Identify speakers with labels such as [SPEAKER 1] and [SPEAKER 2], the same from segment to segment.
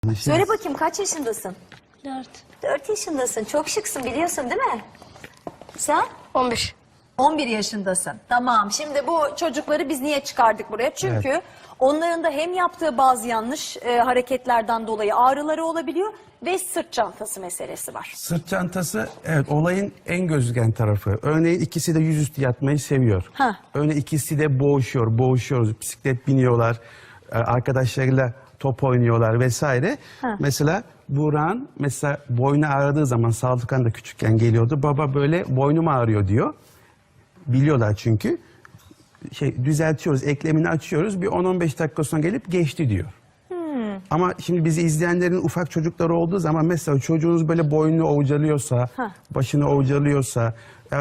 [SPEAKER 1] Söyle bakayım, kaç yaşındasın?
[SPEAKER 2] 4.
[SPEAKER 1] 4 yaşındasın. Çok şıksın, biliyorsun değil mi? Sen?
[SPEAKER 2] 11.
[SPEAKER 1] 11 yaşındasın. Tamam. Şimdi bu çocukları biz niye çıkardık buraya? Çünkü onların da hem yaptığı bazı yanlış hareketlerden dolayı ağrıları olabiliyor ve sırt çantası meselesi var.
[SPEAKER 3] Sırt çantası, evet, olayın en gözüken tarafı. Örneğin ikisi de yüzüstü yatmayı seviyor.
[SPEAKER 1] Ha.
[SPEAKER 3] Örneğin ikisi de boğuşuyoruz. Bisiklet biniyorlar, arkadaşlarıyla top oynuyorlar vesaire.
[SPEAKER 1] Ha.
[SPEAKER 3] Mesela Burak'ın boynu ağrıdığı zaman, Saltıkan da küçükken geliyordu. Baba böyle boynum ağrıyor diyor. Biliyorlar çünkü. Düzeltiyoruz, eklemini açıyoruz. Bir 10-15 dakika sonra gelip geçti diyor. Ama şimdi bizi izleyenlerin ufak çocukları olduğu zaman mesela çocuğunuz böyle boynunu ovcalıyorsa, başını ovcalıyorsa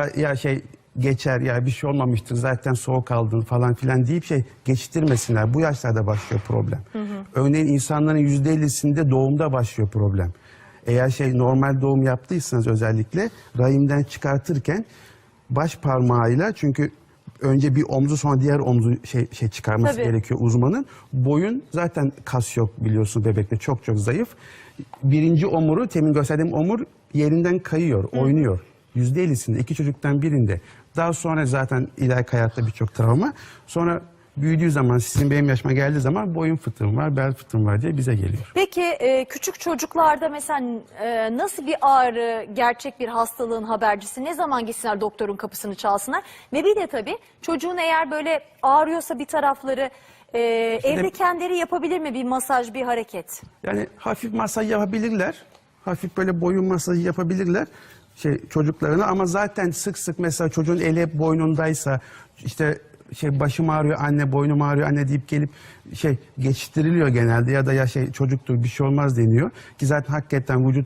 [SPEAKER 3] geçer ya bir şey olmamıştır zaten soğuk aldın falan filan deyip geçiştirmesinler. Bu yaşlarda başlıyor problem. Örneğin insanların %50'sinde doğumda başlıyor problem. Eğer normal doğum yaptıysanız özellikle rahimden çıkartırken baş parmağıyla, çünkü önce bir omzu sonra diğer omzu çıkarması gerekiyor uzmanın. Boyun zaten kas yok biliyorsun bebekte, çok zayıf. Birinci omuru, temin gösterdiğim omur yerinden kayıyor, oynuyor. %50'sinde, iki çocuktan birinde. Daha sonra zaten ileriki hayatta birçok travma. Sonra büyüdüğü zaman, sizin benim yaşıma geldiği zaman boyun fıtığım var, bel fıtığım var diye bize geliyor.
[SPEAKER 1] Peki küçük çocuklarda mesela nasıl bir ağrı, gerçek bir hastalığın habercisi, ne zaman gitsinler doktorun kapısını çalsınlar? Ve bir de tabii çocuğun eğer böyle ağrıyorsa bir tarafları evde kendileri yapabilir mi bir masaj, bir hareket?
[SPEAKER 3] Yani hafif masaj yapabilirler. Hafif böyle boyun masajı yapabilirler çocuklarına, ama zaten sık mesela çocuğun eli hep boynundaysa, başım ağrıyor anne, boynum ağrıyor anne deyip gelip geçiştiriliyor genelde, ya da çocuktur bir şey olmaz deniyor ki zaten hakikaten vücut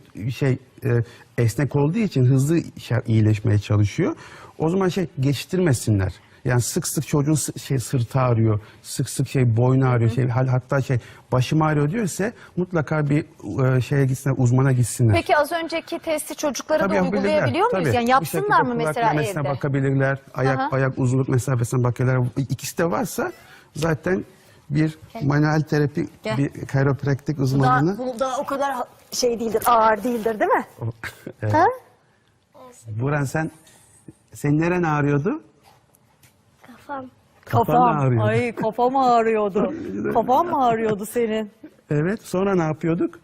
[SPEAKER 3] esnek olduğu için hızlı iyileşmeye çalışıyor. O zaman geçiştirmesinler. Yani sık çocuğun sırtı ağrıyor, sık boynu ağrıyor, hatta başım ağrıyor diyorsa mutlaka bir gitsinler, uzmana gitsinler.
[SPEAKER 1] Peki az önceki testi çocuklara da uygulayabiliyor muyuz? Yani yapsınlar mı mesela evde?
[SPEAKER 3] Bakabilirler, ayak uzunluk mesafesine bakıyorlar. İkisi de varsa zaten bir manuel terapi, bir kayropraktik uzmanını.
[SPEAKER 1] Bu da o kadar değildir, ağır değildir değil mi?
[SPEAKER 3] Evet. Ha? Buran, senin neren ağrıyordu?
[SPEAKER 2] Kafam.
[SPEAKER 3] Ağrıyordu.
[SPEAKER 1] Ay, kafam ağrıyordu. Kafam mı ağrıyordu senin?
[SPEAKER 3] Evet, sonra ne yapıyorduk?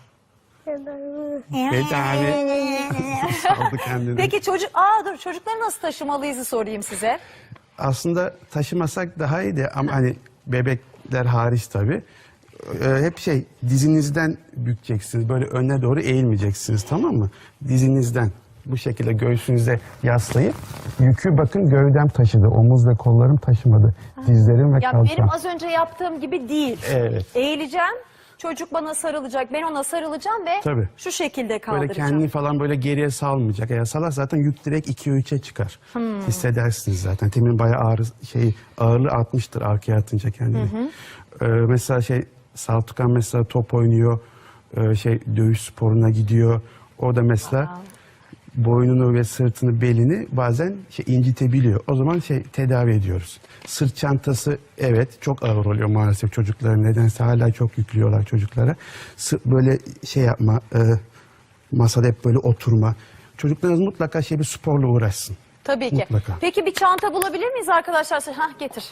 [SPEAKER 3] Tedavi. Saldı kendini.
[SPEAKER 1] Peki çocukları nasıl taşımalıyızı sorayım size.
[SPEAKER 3] Aslında taşımasak daha iyiydi ama hani bebekler hariç tabii. Hep dizinizden bükeceksiniz. Böyle öne doğru eğilmeyeceksiniz, tamam mı? Dizinizden bu şekilde göğsünüze yaslayıp yükü bakın gövdem taşıdı. Omuz ve kollarım taşımadı. Dizlerim ve kalçam.
[SPEAKER 1] Benim az önce yaptığım gibi değil.
[SPEAKER 3] Evet.
[SPEAKER 1] Eğileceğim. Çocuk bana sarılacak, ben ona sarılacağım ve şu şekilde kaldıracağım.
[SPEAKER 3] Böyle kendini falan böyle geriye salmayacak. Eğer salar zaten yük direkt 2'ye 3'e çıkar. Hissedersiniz zaten. Temin bayağı ağırlığı artmıştır arkaya atınca kendini. Mesela Saltıkan mesela top oynuyor, dövüş sporuna gidiyor. Orada mesela boynunu ve sırtını, belini bazen incitebiliyor. O zaman tedavi ediyoruz. Sırt çantası evet çok ağır oluyor maalesef çocuklara. Nedense hala çok yüklüyorlar çocuklara. Böyle yapma, masada hep böyle oturma. Çocuklarınız mutlaka bir sporla uğraşsın.
[SPEAKER 1] Tabii ki.
[SPEAKER 3] Mutlaka.
[SPEAKER 1] Peki bir çanta bulabilir miyiz arkadaşlar? Getir.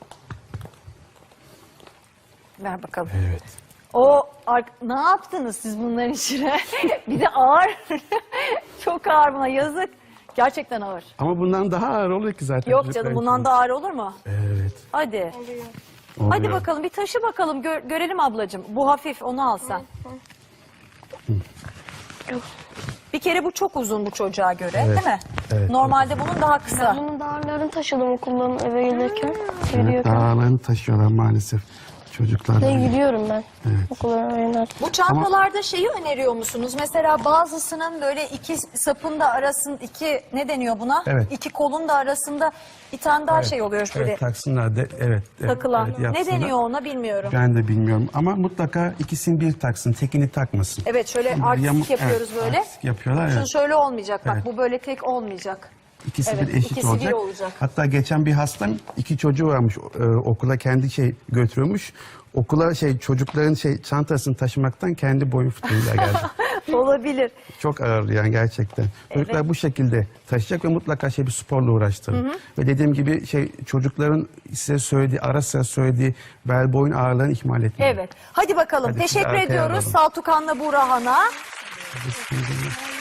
[SPEAKER 1] Ver bakalım.
[SPEAKER 3] Evet.
[SPEAKER 1] Ne yaptınız siz bunların içine? Bir de ağır. Çok ağır buna, yazık. Gerçekten ağır.
[SPEAKER 3] Ama bundan daha ağır oluyor ki zaten.
[SPEAKER 1] Yok canım, bundan daha ağır olur mu?
[SPEAKER 3] Evet.
[SPEAKER 1] Hadi.
[SPEAKER 3] Oluyor.
[SPEAKER 1] Hadi bakalım bir taşı bakalım, görelim ablacığım. Bu hafif, onu al sen. Bir kere bu çok uzun bu çocuğa göre, değil mi?
[SPEAKER 3] Evet.
[SPEAKER 1] Normalde bunun daha kısa.
[SPEAKER 2] Bunun dağarlarını taşıdım okuldan eve gelirken.
[SPEAKER 3] Dağlarını taşıyorlar maalesef çocuklar.
[SPEAKER 2] Gidiyorum ben. Okula oynarken.
[SPEAKER 1] Bu çantalarda öneriyor musunuz? Mesela bazısının böyle iki sapın da arasında, ne deniyor buna?
[SPEAKER 3] Evet.
[SPEAKER 1] İki kolun da arasında bir tane daha oluyor şöyle.
[SPEAKER 3] Evet, taksınlar da
[SPEAKER 1] Takılan.
[SPEAKER 3] Evet,
[SPEAKER 1] Ne
[SPEAKER 3] yapsınlar.
[SPEAKER 1] deniyor ona bilmiyorum.
[SPEAKER 3] Ben de bilmiyorum ama mutlaka ikisini bir taksın, tekini takmasın.
[SPEAKER 1] Evet, şöyle artistik yapıyoruz böyle.
[SPEAKER 3] Artistik yapıyorlar.
[SPEAKER 1] Şunu şöyle olmayacak bak, bu böyle tek olmayacak.
[SPEAKER 3] İkisi
[SPEAKER 1] Evet,
[SPEAKER 3] bir eşit
[SPEAKER 1] ikisi bir
[SPEAKER 3] olacak.
[SPEAKER 1] olacak.
[SPEAKER 3] Hatta geçen bir hastam 2 çocuğu varmış okula kendi götürüyormuş. Okula çocukların çantasını taşımaktan kendi boyu fıtığıyla geldi.
[SPEAKER 1] Olabilir.
[SPEAKER 3] Çok ağır yani gerçekten. Çocuklar bu şekilde taşıyacak ve mutlaka bir sporla uğraştırın. Ve dediğim gibi çocukların size söylediği, ara sıra söylediği bel boyun ağrılarını ihmal etmeyin.
[SPEAKER 1] Evet. Hadi bakalım.
[SPEAKER 3] Hadi sizi
[SPEAKER 1] Teşekkür
[SPEAKER 3] arkaya
[SPEAKER 1] ediyoruz
[SPEAKER 3] alalım.
[SPEAKER 1] Saltukan'la Burhan'a.